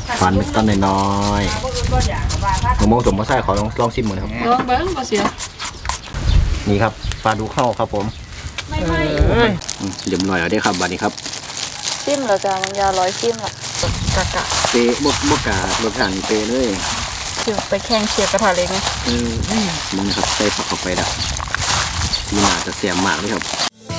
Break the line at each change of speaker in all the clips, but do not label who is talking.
ฟันต้นน้อยๆมะม่วงสมมะไส้ขอลองชิมหน่อยครับ
ลองเบิ้งบ่เสีย
นี่ครับปลาดูเข้าครับผม
ไม่
เดี๋ยวหน่อยเอาได้ครับบัดนี้ครับ
ชิมแล้วจ้ะมันยาร้อยชิมละกะ
เปะบการสชาติเปะเลย
ชิมไปแข่งเชียร์กระทะเล็กไง
มันครับใส่ผักเข้าไปดับสีหนาจะเสียมมากเลยครับ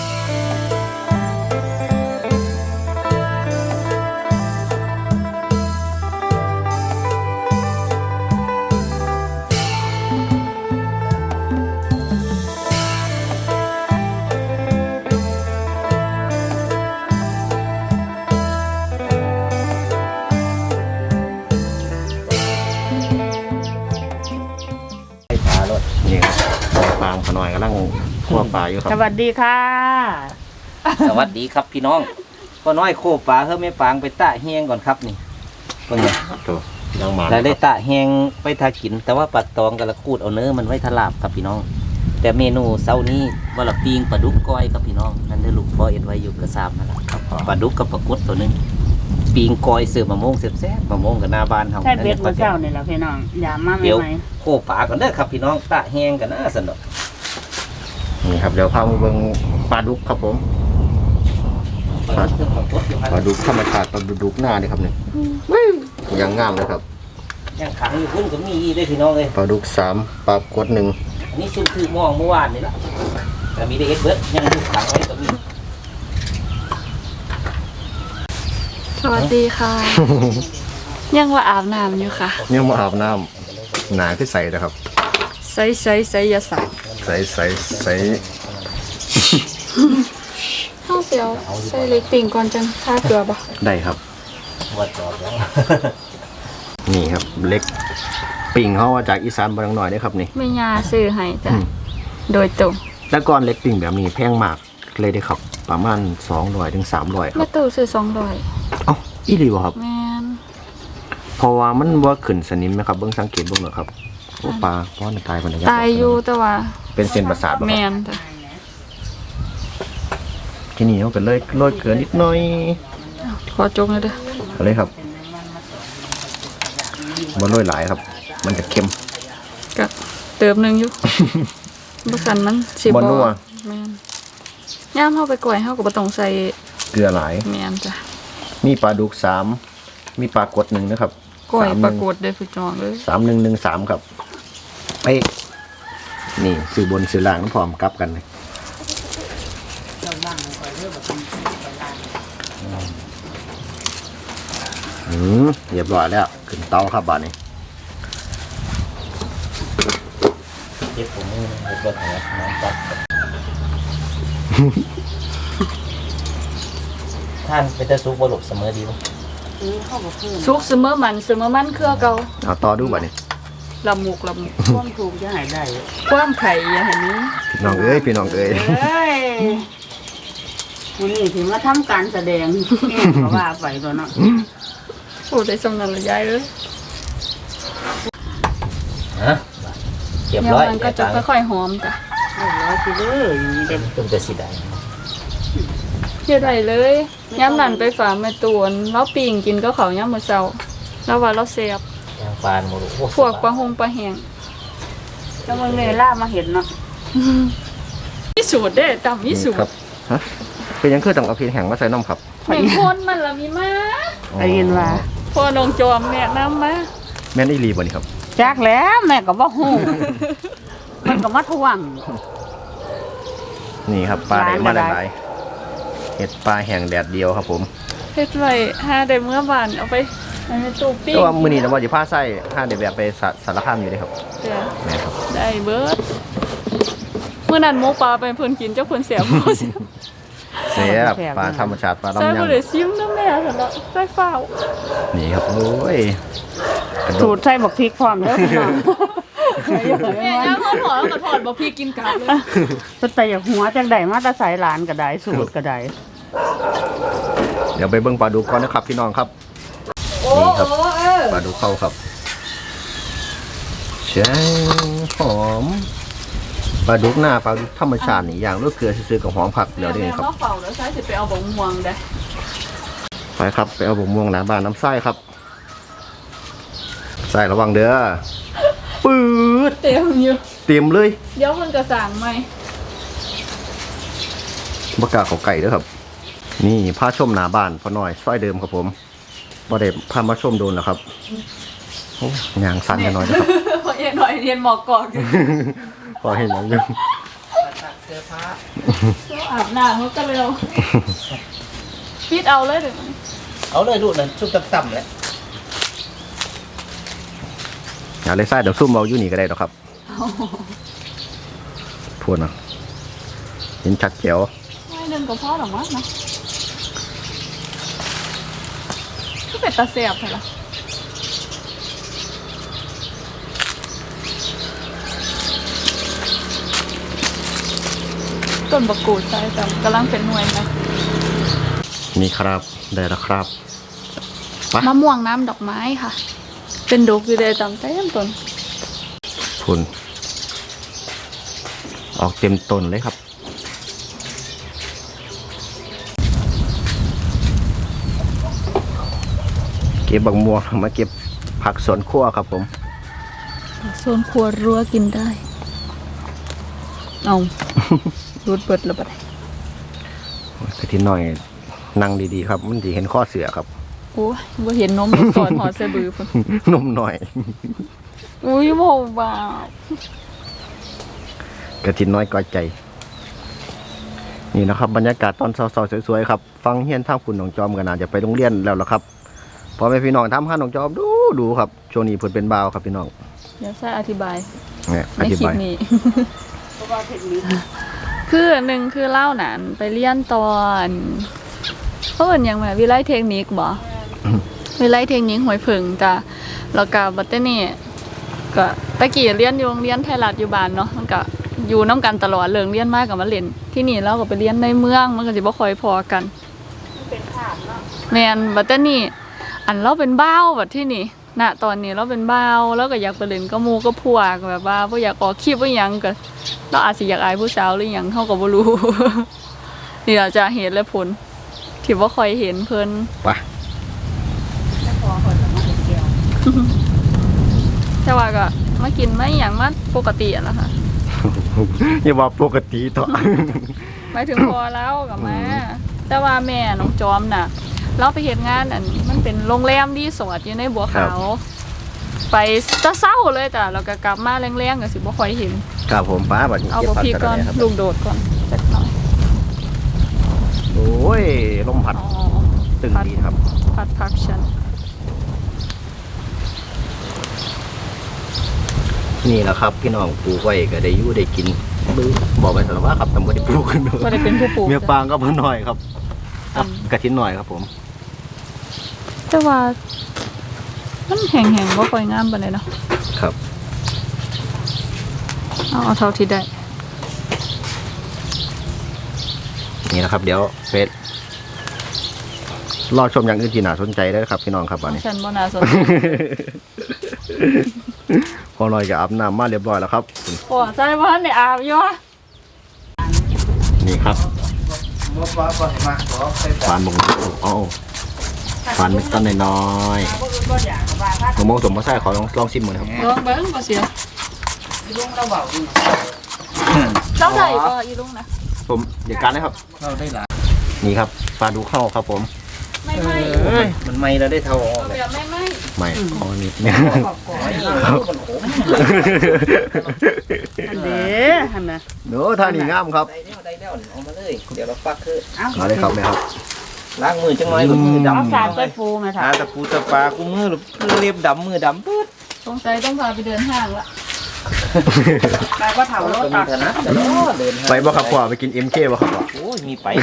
นี่ครับปลาขน่อยกำลังคั่วปลาอยู่ครับ
สวัสดีค่ะ
สวัสดีครับพี่น้องก็น้อยโคปลาเฮ้ยไม่ปางไปตะแห้งก่อนครับนี่เป็นไง
ตัวยังมา
แล้วได้ตะแห้งไปทากินแต่ว่าปลาตองกับละคูดเอาเนื้อมันไว้ทลาบครับพี่น้องแต่เมนูเช้านี้ว่าละปีงปลาดุกก้อยครับพี่น้องนั่นได้ลูกพ่อเอ็ดไว้อยู่กระซามนั่นแหละปลาดุกกับปลากดตัวนึงปีงก้อยเสือมะม่วงแซ่บๆมะม่วงกับหน้าบ้านเฮา
ใช่เบ็ดเจ้าเนี่ยแหละพี่น้องอย่ามาไม่ไหม
โคปลาก่อนเด้อครับพี่น้องตะแห้งกันนะสนุก
นี่ครับเดี๋ยวพามาเบิ่งปลาดุกครับผมปลาดุกธรรมชาติปลาดุกหน้านี่ครับเนี่ยยังงามเลยครับ
ยังขังอยู่พุ่นก็มีได้พี่น้องเลย
ปลาดุก3ปลากด1
อันนี้ซุ่มคือมองเมื่อวานนี่แหละแต่มีได้เอ็ดเบิร์ดยังดูขังไว้ก็มี
สวัสดีค่ะยังว่าอาบน้ำอยู่ค่ะ
ยังมาอาบน้ำหนาขึ้นใสนะครับ
ใส่ยาใส่
ใส
ข้าวเสียวใส่เล็กปิ่งก่อนจังท่าเกลือบ่
ได้ครับ
วัดจอดแล้ว
นี่ครับเล็กปิ่งเขามาจากอีสานบางหน่อยนี่ครับนี่
ไม่ยาซื้อให้จ้ะโดยตรง
แล้วก่อนเล็กปิ่งแบบนี้แพงมากเลยได้ครับประมาณ200 ถึง 300ครับ
แม่ตู่ซื้อ
200อีหลีบ่ครับ
แม่น
เพราะว่ามันว่าขึ้นสนิมไหมครับเบิ่งสังเกตเบิ่งเหรอครับโอ้ปลาป้อนตายคนเดียว
ตายอยู่แต่ว่า
เป็นเส้นประสาท
แม่นจ้ะ
ที่นี่เขาก็เลยโรยเกลือนิดหน่อย
ขอจงเลยเด้อ
เอาเลยครับบ่โรยหลายครับมันจะเค็ม
ก็เติมนึงอยู่บ่ซั่นมันสิบ่
นัว
แม่นย่ามเฮาไปก่อยเฮาก็บ่ต้องใส่
เกลือหลาย
แม่นจ้ะ
มีปลาดุก3มีปลากด1นะครับ
ก่อยปลากดได้พี่น้องเลย
3113ครับไปนี่ซื้อบนซื้อล่างพร้อมกลับกันเลยเรียบร้อยแล้วขึ้นเตาครับบ้านนี้
เจ็บผมเจ็บหัวน้ำตัดท่านเป็นตะซุกบหลบเสมอดีมั้ย
ซุกเสมอมันคือเก่า
เอาต่อดูบ้านนี้
ละมุกความถูกจะหายได้ความไข่อย่าให้นี้
พี่น้องเอ้ย
วันนี้ถึงว่าทำการแสดงแง่เพราะว่าไปตัวเนาะโอ้ได้สำนักละยายเลย
เรียบร้อย
มันก็จะค่อยๆหอมจ้ะร้อยสิเลย
เด็ดต้นจะสีแดง
เยอะได้เลยย้ำนั่นไปฝากแม่ตวนแล้วปิ่งกินก็เขาย้ำมือเช้าแล้วว่าเราเสียบ
ย่างปลาหมด
พวกปลาหงปลาแห้งแล้วมึงเนี่ยล่ามาเห็นเนาะมีสูตรได้ต่ำมีสูตร
ฮะเป็นยังคือต้องเอาพริกแห้งมาใส่น้ำครับ
แม่คนมันละมีมาได้ยินว่าพ่อนงจอมแนะนำมา
แม่นอีรีบ่นี่ครับ
จักแล้วแม่ก็บ่ฮู้มันก็มาทวง
นี่ครับปลาได้มาหลายเห็ดปลาแห้งแดดเดียวครับผม
เฮ็ดไว้5ได้เมื่อวานเอาไปในตู้ปิ้ง
แต่ว่ามื้อนี้นะว่าสิพาใส่5ได้แบบไปสารคามอยู่เด้ครับแม่ครับ
ได้เบิดมื้อนั้นหมูปลาไปเพิ่นกินเจ้าเพิ่นแซ่บบ่
เสียบปลาธรรมชาติปลาลำยังใส่
บ่ได้ซิมน้ำแม่ซั่นเนาะใส่ฟ้าว
นี่ครับโอ้ย
สูตรใส่บักพริกพร้อมเด้อพี่น้องแม่ย่าพ่อถอดแล้วก็ถอดบักพริกกินกลับเลยแต่อยากหัวจังได๋มาแต่ใส่หลานก็ได้สูตรก็ได้
เดี๋ยวไปเบิ่งปลาดุกก่อนนะครับพี่น้องครับนี่ครับปลาดุกเข้าครับแช่หอมปลาดุกหน้าปลาดุกธรรมชาตินี่อย่างลูกเกลือซื้อกับหอมผักเดี๋ยวนี้ครับ
เฝ้าแล้วใช้สิไปเอาบงม่วงได้
ไปครับไปเอาบงม่วงหน้าบ้านน้ำไส้ครับใส่ระวังเด้อปืด
เต็มอยู่
เต็มเลย
เดี๋ยวมันกระสางไหม
บกล้าเขาไก่เด้อครับ นี่พาชมหน้าบ้านพอหน่อยซอยเดิมครับผมบ่ได้พามาชมโดนแล้วครับโอ้ยางสั่นกันหน่อยนะครับ
พอเย็นหน่อยเรียนหมอกกอกอยู่
พอเห็นอย่างนึง
อาบน้ำเขาก็เร็วปิดเอาเลยเดี๋ยวนี้
เอาเลยลูกนั่นชุบต่ำๆแหละ
อย่าเลยใส่เดี๋ยวซุ่มเอาอยู่นี่ก็ได้หรอกครับพูดนะเห็นชัดเจ๋ว
ไม่เดินกับพ่อหรอกมั้งนะก็เป็นตาเสียบเหรอต้นบะกรูดใช่แต่กำลังเป็นหน่วยนะ
นี่ครับได้แล้วครับ
มะม่วงน้ำดอกไม้ค่ะ เป็นดอกอยู่เลยจำเต็มต้น
พูนออกเต็มต้นเลยครับเก็บบักม่วงมาเก็บผักสวนครัวครับผม
โซนครัวรั้วกินได้ เอารูดเปิดแล้วปะเนี่ย
กระทินหน่อยนั่งดีๆครับ มันจะเห็นข้อเสือครับ
โอ้ยว่าเห็นนมก่อนหอดเสบือพุ่น
นมหน่อย
อุ้ยโมบ้าก
ระทินน้อยก้อยใจ นี่นะครับบรรยากาศตอนเช้าๆสวยๆครับฟังเฮียนทางคุณหนองจอมกันนะจะไปโรงเรียนแล้วล่ะครับพอแม่พี่น้องทำห้าหนองจอมดูครับช่วงนี้เพิ่นเป็นบ่าวครับพี่น้อง
เดี๋ยวใช่อธิบาย
เนี่ยอ
ใน
ธิ
คลิป
บาย
นี้ คือหนึ่งคือเล่าหนานไปเรียนตอนเขาเป็นยังไงวิไลเทคนิคบ่วิไลเทคนิคหวยผึ่งจ้ะแล้วก็บัตเตอร์นี่ก็ตะกี้เรียนอยู่โรงเรียนไทยรัฐอยู่บ้านเนาะมันก็อยู่น้ำกันตลอดเลิกเรียนมากกับมาเล่นที่นี่เราก็ไปเรียนในเมืองมันก็สิบ่ค่อยพอกันเป็นภาพเนาะแม่นบัตเตอร์นี่อันเราเป็นบ้าวแบบที่นี่ณตอนนี้เราเป็นบ้าวแล้วก็อยากไปเล่นก็มูก็พวกแบบว่าบ่อยากออกคลิปบ่หยังก็เราอาจสิอยากอายผู้สาวหรือหยังเฮาก็บ่รู้ นี่เราจะเห็นและผลที่บ่ค่อยเห็นเพิ่น
ไป
แต่ว่าก็มากินไม่หยังมาปกติอะนะคะ
อย่าว่าปกติต่อ
หมายถึงพอแล้วกับแม่แต่ว่าแม่น้องจอมน่ะ เราไปเฮ็ดงานอันมันเป็นโรงแรมรีสอร์ทอยู่ในบัวขาวไปตะเศร้าเลยจ้ะแล้วก็กลับมาแรงๆก็สิบ่ค่อยเห็น
ครับผมป้าบัดนี้
เอา
เก็บ
บ่
ผัก
พี่
กัน
ก่อน
เลยครับ
ลูกโดดก่อนจักหน่อย
โอ้ยลมพัด
อ๋อ
ตึงดีครับ
ผัดผักฉัน
นี่แหละครับพี่น้องปลูกไว้ก็ได้อยู่ได้กินบอกไปสารว่าครับทำบ่ได้ปลูกกัน
บ่ได้เป็นผู้ปลูก
เมียปางก็เพิ่นหน่อยครับ
อืม
กระทินหน่อยครับผม
แต่ว่ามันแห้งๆบ่ค่อยงามปานใดเนาะ
ครับ
เอาเท่าที่ได้
นี่นะครับ เดี๋ยวเฟซรอชมอย่างอื่นที่น่าสนใจได้ครับพี่น้องครับวันนี้
ฉันบ่น่าสนใจ
พอหน่อยก็อาบน้ำมาเรียบร้อยแล้วครับ
โอ้ใจว่าในอาบอยู่
นี่ครับฟานบงอ๋อฟานเม็ดต้นน้อยๆมะม่วงสมมติใส่ขอลองชิมหน่อยครับ
ลองเบิ้งบ่เสียเจ้าใดบ่อีลุงนะ
ผมเดี๋ยวการนะครับ
เราได้หลาย
นี่ครับปลาดูเข้าครับผม
ไม่
มันไม่เราได้เท่าออก
เอา
เลย
แบบไม่
ไม่ขอนิดเนี่ย
มันขม
อันเด้หั่นน่ะ
เนื้อท่านี่งามครับ
ได้แล้วเอามาเลยเดี๋ยวเราฟักคือ
เอาเลยครับแม่ครับ
ล้างมือจังน้อยมือดำ
เอาสารไปปูแม่ค่ะ
หาตะปูตะปากูมือเรียบดำมือดำปึ๊ด
สงสัยต้องพาไปเดินห้างละไปว่าเฒ่าแล้ว
ก็มี
ตัก
ฐานะแต่เดิน
ไปบ่ครับพ่อไปกิน MK บ่ครับพ่อ
โอ้ยมีไป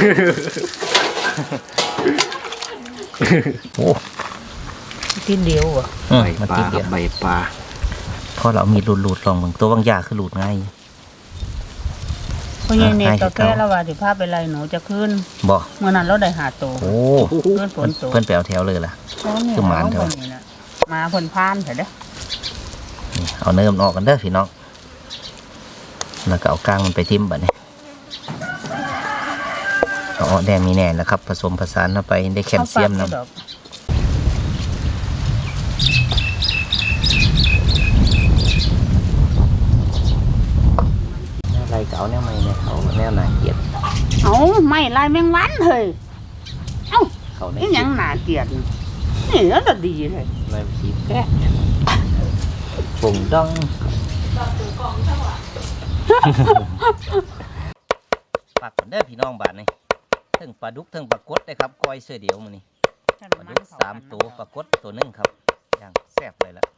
โอ้
ทีเดียวอ่ะ
ใบปลาครับใบปลา
พอเรามีหลุดลองมึงตัวบางยาคือหลุดง่าย
เพราะยังเนี่ยตอแก้แล้วว่าสิพาไปไล่หนูจะขึ้น
บ่
เมื่อนั้นเราได้หาโตว
โอ้
เพื่อนฝนตก
เพื่อนไปเอาแถวเลยล่ะ คือหมาเถอะ
นี่นะมาเพิ่นพานเถอะเด้อ
นี่เอาเนื้อมันออกกันเด้อพี่น้องแล้วก็เอาก้างมันไปทิ่มบัดนี้เอาออกแดงมีแน่นะครับ ผสมผสานเข้าไปได้แคลเซียม
อา
นะ
ปากลายแมงวันเฮ้ยเอ้า
เขาใน
นี่ยังหนาเกลียดนี่แล้วก็ดีเลย
ในผีแกะผงดองปากคนเด้อพี่น้องบาทนี่ทั้งปลาดุกทั้งปลากดได้ครับก้อยเสื้อเดียวมื้อนี้ปลาดุก3 ตัวปลากดตัวหนึงครับอย่างแซ่บเลยล่ะ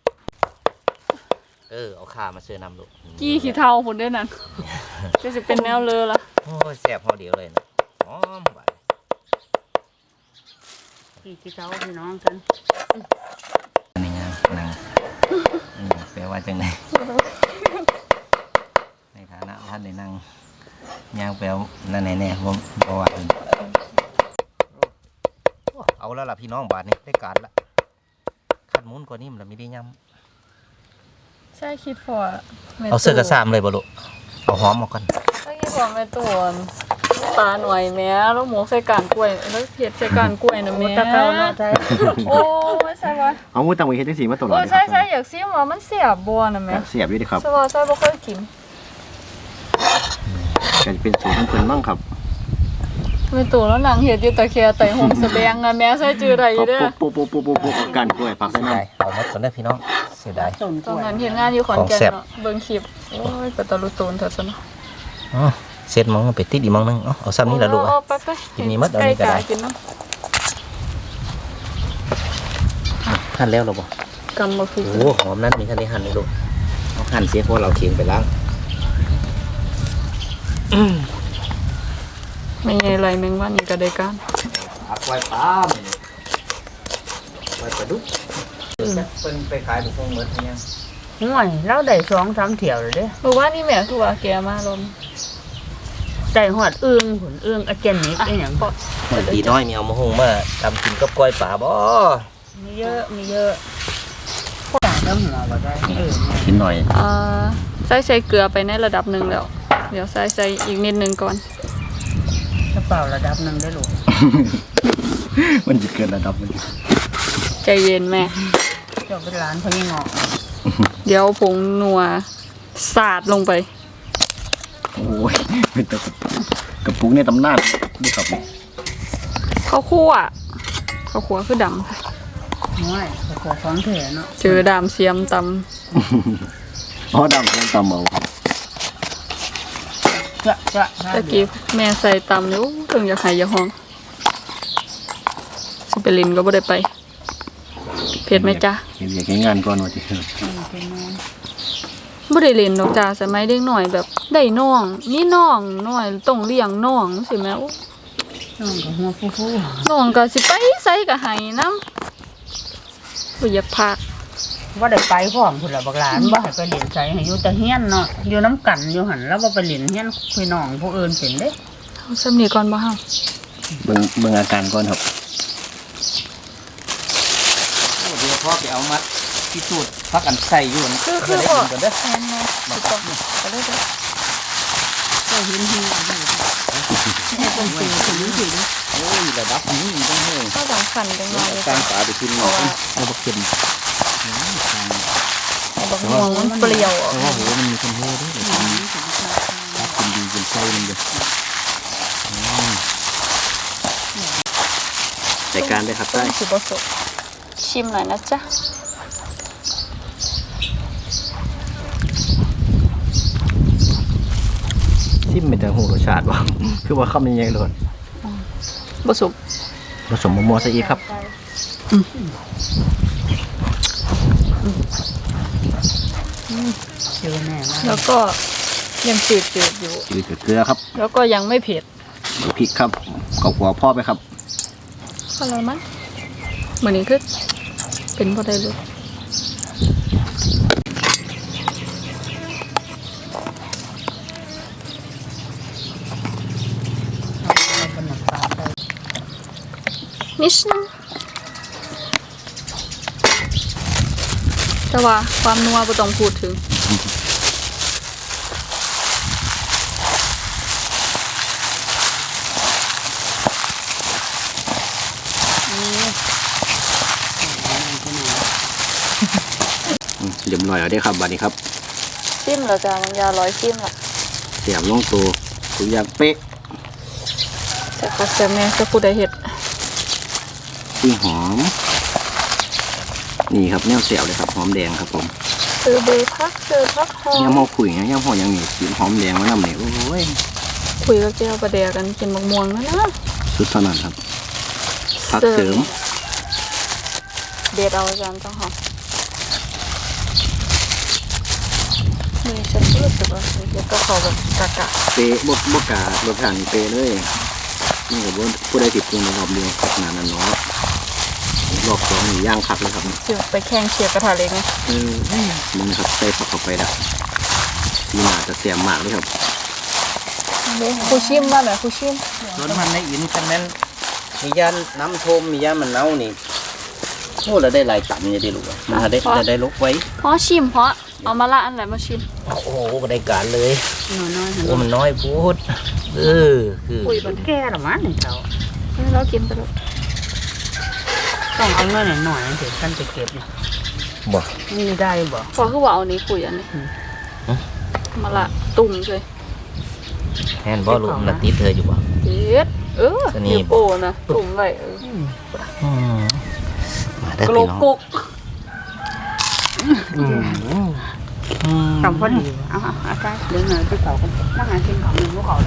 เอาข่ามาเสื้อนำลูก
กี้ขี้เทาผลด้วยนั่นก็จะเป็นแนวเลอละ
โอ้ยแซ่บเฮาเดียวเลยนะหอมบาด
พี่เจ้าพี่น้องกัน
นี่ไงนั่งแปลว่าจังไดในฐานะท่านได้นั่งย่างแปลวนั่นแน่ๆผมบ่ว่าอื่นเอาแล้วล่ะพี่น้องบาทนี่ได้การละขัดหมุนกว่านี้มันละไม่ได้ย้ำ
ใช่คิดพอแม่
เอาเสื้อกระซามเลยบ่ลูกเอาหอมออกก่อน
ใช่คิดพอแม่ตัวปลาหน่อยแม่แล้วหมูใส่กานกล้วยแล้วเผ็ดใส่กานกล้วยนะแม่
ตะเกาเนาะใจ
โอ้ไม่ใช่วะ
เอาหมูตังไว้เฮ็ดจังซี่มาตลอด
โอ้
เลยค
ใช่
รับ
ใช่อยากซิมว่ามันเสียบบัวนะแม่
เสียบอยู่ดิครับ
ใช่ว่าใช่บ่เคยกิน
ก็จะเป็นสูตรของเพิ่นมั่งครับ
แม่ตัวแล้วนางเฮ็ดอยู่ตะแคไต่หงสะแบงอะแม่ใส่จื้อได้อยู่เด้อ
ปุ๊บกันกล้วยปักใส่
เสีย
น้ำ
ดายเอาหมดก่อนเด้อพี่น้องเสียดาย
ต้นก
ตอ
ล้
น
วย
นั้นเห็นงานอยู่ขอนแก่น
ของแซ่บ
เนาะเบิ่งคลิปโอ้ยกระตะลุตูนเถอะซะเนาะ
อ๋อเสร็จมองไปติดอีกมองนึงเอาซ้ำนี่ละลูก
เอาไป
กินนี่มัดเอานี่ก็ได้
ใล้ๆกินเนาะ
หั่นแล้วเหรอบ่
กำบ่คือ
โอ้หอมนั้นมีท่านได้หั่นเลยลูกเอาหั่นเสียเพราะเราเคียงไปล้าง
ไม่ไงไรแมงวันนี่ก็ได้การ
ผักไว้ปลาหมื้อไว้ปลาดุกเป็นไปขายบุกงเหมือนยัง
ห่วยเราได้2-3เที่ยวเลยเด้
เมื่อวานนี่แม่คือว่าแกมาลม
ได้หอดอึ้งผลอึ้งอาเจนนิกอีหยัง
ดีน้อยมีเอามาหุงมาทำกินกับก้อยป่าบ่
มีเยอะมีเยอะต่างแล้วหัวบ่ได้เนี่ย
กินหน่อย
ใส่เกลือไปในระดับหนึ่งแล้ว เดี๋ยวใส่อีกนิดนึงก่อน
กระเป๋าระดับหนึงได้ลูก
มันจะเกินระดับมัน
ใจเย็นแม่
เจ้าเป็นร้านพญงอก
เดี๋ยวผงนัวสาดลงไป
โอ้ยเป็นตะกระปุกในตำนานนี่ครับ
ข้าวคั่วคือด
ห่วยกระป๋องของแท้เนาะ
ำเจอดามเสียมต
อ๋อดำของตำเมาครับ
จะ
ำตะกี้แม่ใส่ตำอยู่เพิ่งอยากหายอยาห้องสิไปลินก็บ่ได้ไป เผ็ดไหมจ๊ะ
เห็นอยากให้งานก่อนว่าจะ
บ่ได้เล่นดอกจ้าสมัยเด็กหน่อยแบบได้น้องมีน้องน้อยต้องเลี้ยงน้องสิแม่โอ้
น้องกับหัวฟู
น้องก็สิไปไสก็ให้นำบ่อยากพัก
ๆว่าได้ไปพร้อมพุ่นละบักหลานบ่ให้ไปเรียนไสให้อยู่แต่เฮียนเนาะอยู่น้ำกันอยู่หั่นแล้วบ่ไปเรียนเฮียนพี่น้องผู้อื่นเป็นเด้
เอาซ้ำนี้ก่อนบ่เฮา
เบิ่งอาการก่อนครับ
เดี๋ยวพ่อไปเอามัดพิสูจน์พักอันใส่อยู่นะ
คือ
ได้
บ่
กินกันเด้อ
แม่นๆสิต้องไปเลยเด้อ
ก็เห็นเฮียนอยู่ให้คนเสียถึงถึง
โอ้ยระดับนี้ต้องให้
ก็ต้องขันจังหน่อย
กลางป่าไปกินหน่อยเอาบักเข็ม
เอาบักม่วงมันเปรี้ยวอ่ะ
เพราะว่าโหมันมีคนเฮ้ด้วยกินดีกินไส้มันเด้อรายการได้ครับ
ต้
ได้
นสิบ่สดชิมหน่อยนะจ๊ะ
ซิมเป็นจังหูรสชาติบ่ คือว่าคำยังไงเลย
บ่สุก
ผสมมะม่วงซะอีกครับ
เจอแน่มาก
แล้วก็ยังจืดอยู่
จืดกับเกลือครับ
แล้วก็ยังไม่เผ็ด
พริกครับกับหัวพ่อไปครับ
พอแล้วมั้งเหมือนนี้คือเป็นบ่ได้เลย
เอาเป็นน้ำปลาใส่
นิดนึงแต่ว่าความนัวบ่ต้องพูดถึง
เรียบร้อยแล้วได้ครับบัดนี้ครับ
ชิมแล้วจ้ะมันยาร้อยชิมละ
เสียบลงตัวทุกอย่างเป๊ะ
แแต่ก็แซ่บแน่จะผู้ใดเฮ็ด
ที่หอมนี่ครับแนวเสียวเลยครับหอมแดงครับผม
ซื้อเบอร์พักหอม
ย่ำหอคุยนะย่ำหออย่างนี้กินหอมแดงมานำเนี่ยโอ้ย
คุยกับเจ้าประเดียกันกินมะม่วงนะนะ
สุดเท่านั้นครับผักเสริม
เด็ดเอาอาจารย์ต้องหอมนี่ฉันรู้สึกว่าเดี๋ยวก็เขาแบบกะ
เปะบการสชาตินี่เปะเลยนี่กับว่าผู้ใดติดปรุงในรอบเดียวขนาดนั้นเนาะรอบสองนี่ย่างคักเลยครับ
สิไปแข่งเชียร์กระทะเล็กไง
นี่นะครับใส่ผักเข้าไปแล้วสีหนาจะเสียมมากเลยครับ
ครูชิมว่าแบบครูชิม
ส่วนมันในอินคันนั้นมีย่านน้ำทมมีย่านมันเน่านี่โอ้เราได้หลายตันเนี่ยดิลูกอะมันได้ลกไว้
เพราะชิมเพราะเอามาละอันไหนมาชิม
โอ้โหก็ได้การเลย
น้อยๆ
โอ้มันน้อยพูดคือ
คุยบัน
แก่ละมั้งนี่เขา
เรากินไปแล้ว
ต้องเอาเงินหน่อยๆถึงขั้นไปเก็บเนี่ย
บ่
นี่ได้บ่
พอคือว่าเอานี้คุยอันนี้มาละตุ่มเลย
แฮนบ่ลูกมันติดเธออยู่บ่
เด็ด
ตัวนี้
นิ้วโป้นะตุ่มไว้
มาได้
กร
พี่
ก
น้อง
กก
ทำพอดีเอาอาจารย์เดี๋ยวหน่อยที่เขาก็นั่งหากินของหนึ่งพวกเขาแล้ว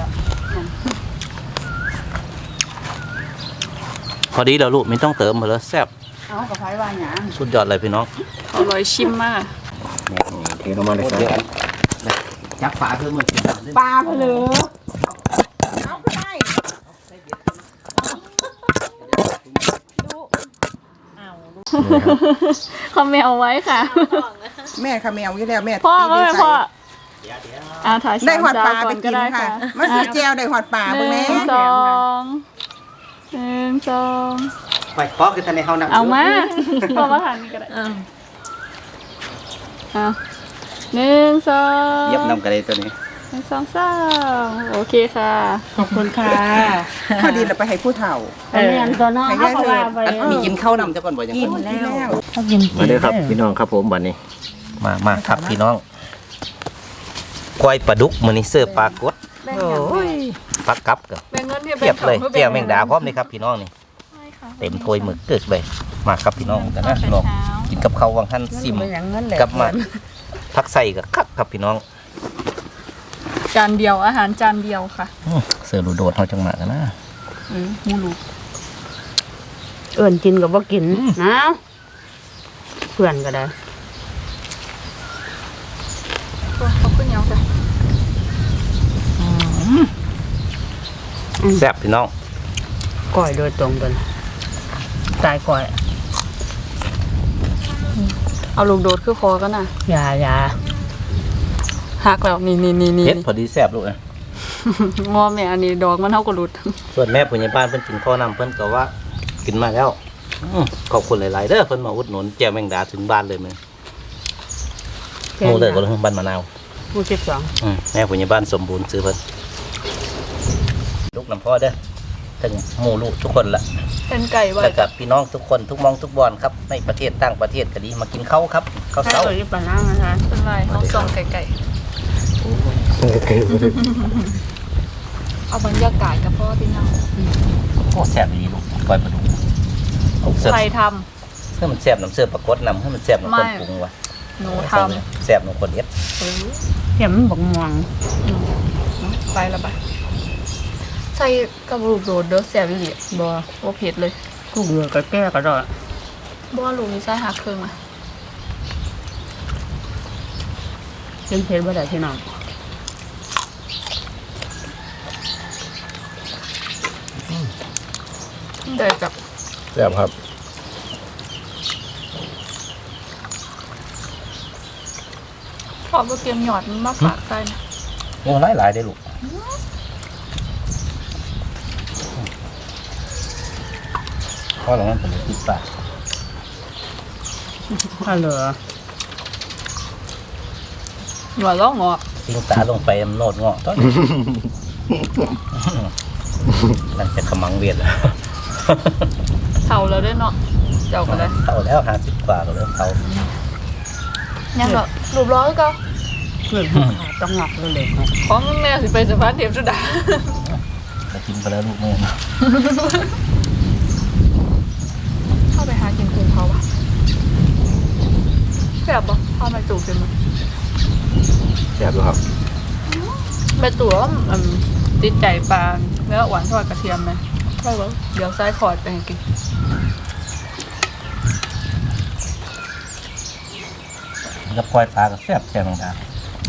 พอดีแล้วลูกไม่ต้องเติมมาแล้วแซ่บ
เอากับไผ่ว่าหยาง
สุดยอดเลยพี่น้อง
อร่อยชิมมาก
เทลงมาเลยครับ
จับฝาคือมัน
ปลาไปเลยเอาไปได้
เขาไม่เอาไว้ค่ะ
แม่ค่ะแมวอยู่แล้วแม่
พ่อก็
ตี
ไม่
ใส่
พ่อถ่าย
ได้หอดปลา
ก่
ไป
อน
กิน
ได้
ค่ะ มาซื้อแจวได้หอดปลา
ห
เบิ่ง
นึ่
แม่
งสองหนึ่งสอง
ไปพอคือทันในเฮานั่ง
เอามาพอมาทานนี่ก็ได้เอาหนึ่งสอง
เย็บนำกันเลยตัวนี้
หนึ่งสองสามโอเคค่ะ
ขอบคุณค่ะ
พอดีเราไปให้ผู้เฒ่า
เรียนตัวน้องเขาก็ว่าไป
มีกินข้าวนำจะก่อนบ่ยัง
กิน
ก่อน
แล้ว
เขากิน
มาเลยครับพี่น้องครับผมบัดนี้
มาครับพี่น้องกล้วยปลาดุกมื้อนี้เสิร์ฟปลากดโอ้ยปลากับกับ
แบ่งเงินที่
เทียบเลยแจ่วแมงดาพร้อมเลยครับพี่น้องนี่เต็มถ้วยหมึกเกิกเลยมาครับพี่น้องกันนะพี่น้องกินกับข้าววังหันซิม
อย่างนั้นแหละ
กับมาผักใส่กับคักครับพี่น้อง
จานเดียวอาหารจานเดียวค่ะ
เสือรูโดดเขาจังมากันนะ
มูลู
เอิ่นกินกับว่ากินนะเพื่อนก็ได้
เขาขึ้นยังจ้ะ
แซ่บพี่น้อง
ก้อยโดยตรงกันตายก้อย
เอาลูกโดดคือคอกันน่ะ
อย่า
หักแล้วนี่
เผ็ดพอดีแซ่บลูกเอ้ย
งอแม่อันนี้ดอกมันเท่ากับรุด
ส่วนแม่ผู้ใหญ่บ้านเพิ่นกินข้าวนำเพิ่นก็ว่ากินมาแล้วขอบคุณหลายๆเด้อเพิ่นมาอุดหนุนแจ่วแมงดาถึงบ้านเลยมื้อหมู่เลยก็เลยบ้านมะนาว
ผู้สิบสอง
แม่ผู้ใหญ่บ้านสมบูรณ์ซื้อเพิ่นลูกน้ำพ่อเด้อถึงหมู่ลูกทุกคนละ
เป็นไก่ไว้
แล้วกับพี่น้องทุกคนทุกมองทุกบอนครับในประเทศต่างประเทศก็ดีมากินข้าวครับข้าว
ถ้า
เช้า
ตัวนี้ปลาน้ำนะคะ
เป็นไรเขาส่องไก่เอาบรรยากาศกับพ่อพี่น้อง
โอ้แซ่บดีลูกก้อยปลาดุกเอาเสื้อ
ใครท
เสื้อมันแซ่บน้ำเสื้อปลากดนำให้มันแซ่บน้ำคนปรุงว่ะ
ำหนูท
แซ่บน้ำคนเอ็ด
เห็นมันบอกม่วง
ำไปละไปใส่กับลูกโดดเด้อแซ่บอีหลีบ่บ่เผ็ดเลย
กูเบื่อก็แก้ก็ได้
บ่ลูกนี่ใส่หักครึ่งอ่ะ
เป็นเพชรบ่ได้พี่น้อง
เดี๋ยวจับ
แซ่บครับ
พอบ่เตรียมหยอดมันมาฝากใส่นะ
โอ้หลายได้ลูกพ่อหลังนั้นผมติดปาก
ถ้าเหลือ
หยอดแล้วงอก
ทิ้งตาลงไปมันโนดเงาะต้น นั่นจะขมังเวียนแล้ว
เท่าแล้วเด้อเนาะเจ้าก็ได้
เท่าแล้ว50กว่าก็เริ่มเท่า
ยังก็รูปร้อยก็
เพื่อนผู้ขาต้องหงอกเลย
ของแม่สิไปสะพานเทพสุดา
กกินไปแล้วลูกแม่นะ
เข้าไปหากินกุ้งเขาปะแซ่บปะเข้ามาจูบกันมั้ย
แซ่บอยู่ครับ
ไปตัวว่าติดใจปลาเนื้อหวานทอดกระเทียมไหมใช่ปะเดี๋ยวซ้ายขอดไปให้กิน
กับปล่อยปลากับแซ่บแซ่บเหมือนกัน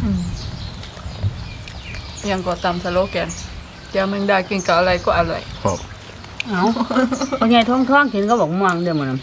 ยังก็ตำสโลแกนเดี๋ยวมึงได้กินกับอะไรก็อร่อย
ครับ
เอาพ่อใหญ่ท้องกินก็บอกม่วงเด้อมื้อนั้น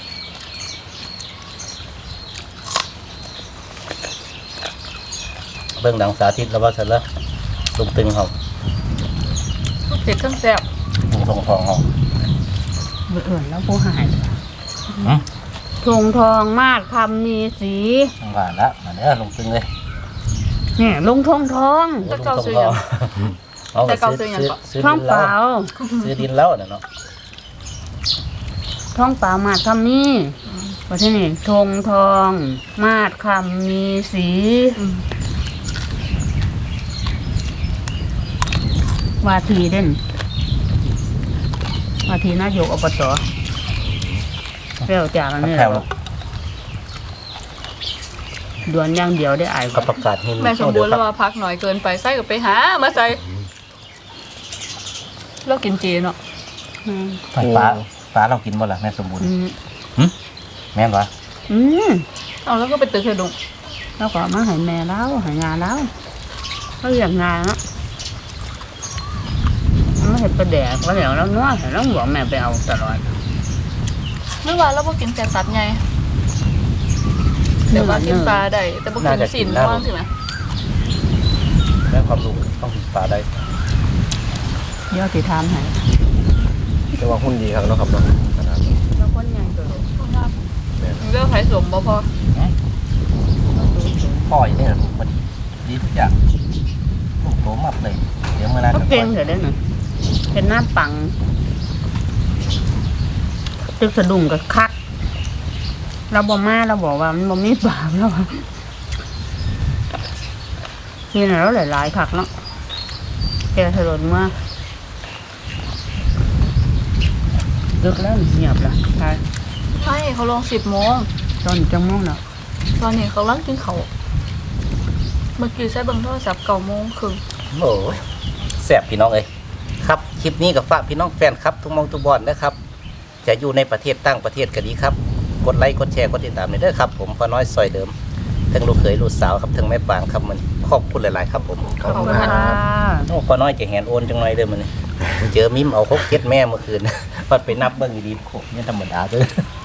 เบื้องดังสาธิตแล้วว่าเสร็จแล้วลุงตึงเขา
เผ็ดทั้งแซ่บ
ลุงทองทองเขา
เบื่อแล้วผู้หาย
หืม
ทงทองมาดคำมีสี
หวานละมาเด้อลุงตึงเลย
เนี่ยลุงทงทอง
จะเกาซื้อยัง
เอา
แต่เก่าซื้อยังก่อน
ซื้อ
ท้อง
ดิน
เป
แล้ว
ล่า
ซื้อดินแล้วเนาะ
ท้องเปล่ามาดคำมีว่าที่นี่ทงทองมาดคำมีสีวาทีเด่นวาทีนายกอบตเปรี้ยวจากอันนี้
แถว
ดวนอย่างเดียวได้อาย
กับประกาศหิน
แม่สมบูรณ์แล้วว่าพักหน่อยเกินไปใส่ก็ไปหามาใส่เรากินเจเนาะ
อืม
ปลาเรากินบ่ล่ะแม่สมบูรณ์
อืม
แม่นวะ
อืม
เอาแล้วก็ไปตึกเฮดง
แล้วก็มาให้แม่แล้วให้งานแล้วเขาเรียกงานแล้วไม่เห็นประแดกก็แล้วแล้วเนาะแต่ต้องบอกแม่ไปเอาตลอด
ไม่ว่าเราบ่กินแต่สัตว์ไงแต่ว่ากินปลาได้แต่บ่กินสินว่างสินะ
แม่ความรู้ต้องกินปลาได้
เดี๋ยวสิทำให้
แต่ว่าหุ้นดีครับเนาะครับเนาะขนาดนี้
แล้วคนยังตัวลูก
เรื่องไผสมบ่พอ
พ่ออย่างนี้ลูกพอดีดีทุกอย่างลูกโตมากเลยเดี๋ยวเมื่อนั้น
เขาเก่งเถอะเด้อหนึ่งเป็นหน้าปังตึกสะดุ้งกับคักเราบอกมาเราบอกว่ามันบ่มีบาปแล้วนี่น่ะเราหลายๆคักเนาะแกถลนมาดึกแล้วเงียบละใช่
ใช่เขาลง10 โมง
ตอนจังม่วงเนาะ
ตอนนี้เขาลังกินเขาวเมื่อกี้ใช้เบิ่งโทรศัพท์9 โมงครึ่ง
โอ้ยแซ่บพี่น้องเอ้ยครับคลิปนี้กับฝากพี่น้องแฟนครับทุกมองทุกบอลนะครับ จะอยู่ในประเทศต่างประเทศก็ดีครับกดไลค์กดแชร์กดติดตามเลยเด้อครับผมพ่อน้อยซอยเดิมทั้งลูกเขยลูกสาวครับทั้งแม่ปางครับมันขอบคุณหลายๆครับผม
ขอบคุณ
ค่ะ
ค่ะ
โอ้พ่อน้อยจะแหนโอนจังหน่อยเด้อมันเจอมิมเอา6 7แม่เมื่อคืน วัดไปนับเบิ่งดีๆโคเนี่ยธรรมดาเด้อ